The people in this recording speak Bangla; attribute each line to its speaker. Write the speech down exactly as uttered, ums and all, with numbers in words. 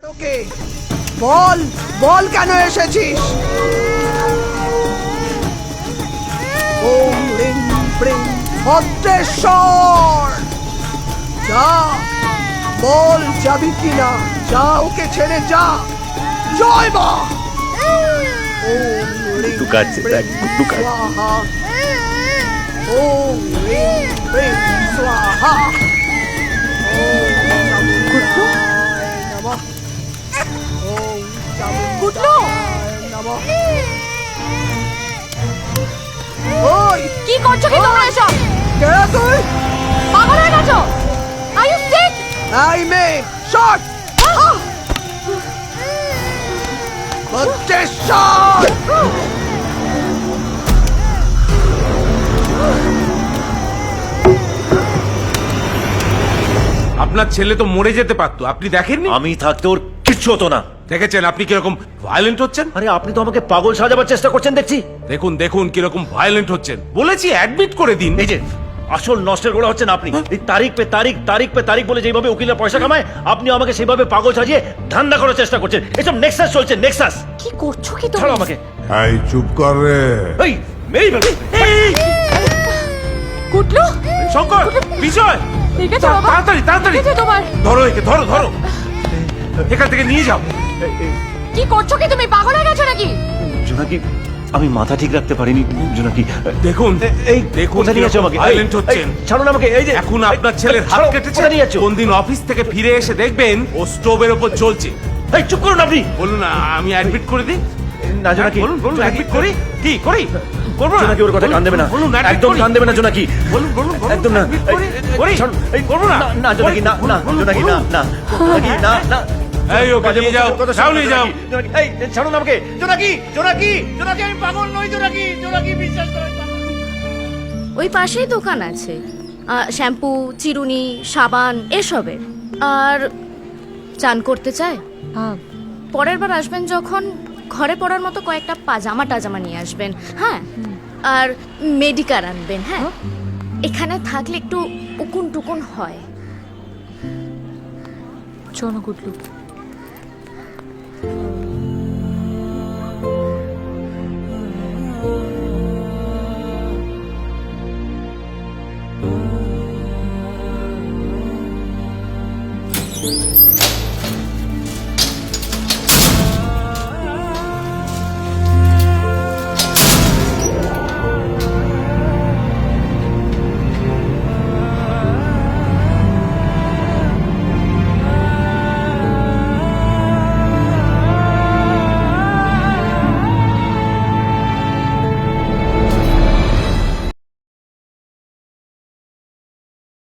Speaker 1: ওকে বল বল কেন এসেছিস? ওম রিং ব্রিং ভদ্রেশ্বর, যা বল যাবি কিনা, যা ওকে ছেড়ে যা। জয় মা। ওম রিং
Speaker 2: লুকাচ্ছে, দেখ,
Speaker 1: ব্রিং
Speaker 2: লুকাচ্ছে।
Speaker 1: স্বাহা। ওম রিং ব্রিং স্বাহা। ওম চামুণ্ডায় নমঃ। ওম চামুণ্ডায় নমঃ। ওই
Speaker 3: কি করছো কি তোমরা এসব?
Speaker 1: কে তুই?
Speaker 3: পাগল হয়ে গেছো? Are you sick?
Speaker 1: এই মেয়ে শট! ভদ্রেশ্বর!
Speaker 4: আপনার ছেলে তো মরে যেতে পারতো, আপনি দেখেননি?
Speaker 2: আমি থাকতে ওর কিচ্ছু হতো না।
Speaker 4: দেখেছেন আপনি কিরকম ভায়োলেন্ট হচ্ছেন?
Speaker 2: আরে আপনি তো আমাকে পাগল সাজাবার চেষ্টা করছেন দেখছি।
Speaker 4: দেখুন দেখুন কিরকম ভায়োলেন্ট হচ্ছেন। বলেছি অ্যাডমিট করে দিন।
Speaker 2: এই যে আসল নষ্টের গোড়া হচ্ছেন আপনি। এই তারিখ পে তারিখ তারিখ পে তারিখ বলে যেভাবে উকিলের পয়সা কামায়, আপনি আমাকে সেইভাবে পাগল সাজিয়ে ধান্দা করার চেষ্টা করছেন। এসব নেক্সাস চলছে, নেক্সাস।
Speaker 3: কি করছো কি তোমরা?
Speaker 2: ছাড়ো আমাকে।
Speaker 5: এই চুপ কর রে।
Speaker 2: এই মেরি ফেলবে। এই
Speaker 3: কুটলু,
Speaker 4: শঙ্কর, বিজয়,
Speaker 3: ঠিক আছে বাবা,
Speaker 4: তাড়াতাড়ি তাড়াতাড়ি
Speaker 3: ঠিক আছে তোমার।
Speaker 4: ধরো একে, ধরো ধরো, এখান থেকে নিয়ে যাও।
Speaker 3: কি করছো কি তুমি? পাগল হয়ে গেছো নাকি?
Speaker 2: জোনাকি, আমি মাথা ঠিক রাখতে পারিনি জোনাকি।
Speaker 4: দেখুন
Speaker 2: এই
Speaker 4: দেখুন
Speaker 2: কোথায় নিয়ে যাচ্ছ আমাকে?
Speaker 4: ভায়োলেন্ট হচ্ছেন।
Speaker 2: এই, ছাড়ুন আমাকে। এই যে
Speaker 4: এখন আপনার ছেলের হাত
Speaker 2: ছাড়ো,
Speaker 4: কেটেছে।
Speaker 2: কোথায় নিয়ে যাচ্ছ?
Speaker 4: কোন দিন অফিস থেকে ফিরে এসে দেখবেন ও স্টোভের উপর জ্বলছে।
Speaker 2: এই চুপ করুন আপনি।
Speaker 4: বলুন আমি অ্যাডমিট করে দিই।
Speaker 2: না জোনাকি,
Speaker 4: বলুন বলুন অ্যাডমিট করি। কি করি? করবো না।
Speaker 2: জোনাকি ওর কথা কান দেবে না।
Speaker 4: বলুন admit
Speaker 2: একদম
Speaker 4: করি।
Speaker 2: কান দেবে না জোনাকি।
Speaker 4: বলুন বলুন বলুন,
Speaker 2: একদম না।
Speaker 4: admit করি।
Speaker 2: এই,
Speaker 4: করি।
Speaker 2: ছাড়ুন। এই,
Speaker 4: করবো না।
Speaker 2: না জোনাকি, না না
Speaker 4: বলুন,
Speaker 2: জোনাকি, না
Speaker 4: বলুন।
Speaker 2: না জোনাকি, না না।
Speaker 4: এই ওকে নিয়ে যাও,
Speaker 2: কথা
Speaker 4: যাও
Speaker 2: শুনুন,
Speaker 4: নিয়ে যাও।
Speaker 2: জোনাকি, এই ছাড়ুন আমাকে। জোনাকি, জোনাকি, জোনাকি, আমি পাগল নই জোনাকি, জোনাকি বিশ্বাস করেন।
Speaker 6: ওই পাশেই দোকান আছে, আহ, শ্যাম্পু, চিরুনি, সাবান এসবের। আর চান করতে চায়? পরের বার আসবেন যখন, ঘরে পড়ার মতো কয়েকটা পাজামা টাজামা নিয়ে আসবেন। হ্যাঁ, আর মেডিকার আনবেন। হ্যাঁ, এখানে থাকলে একটু উকুন টুকুন হয়।
Speaker 3: চলো কুটলু।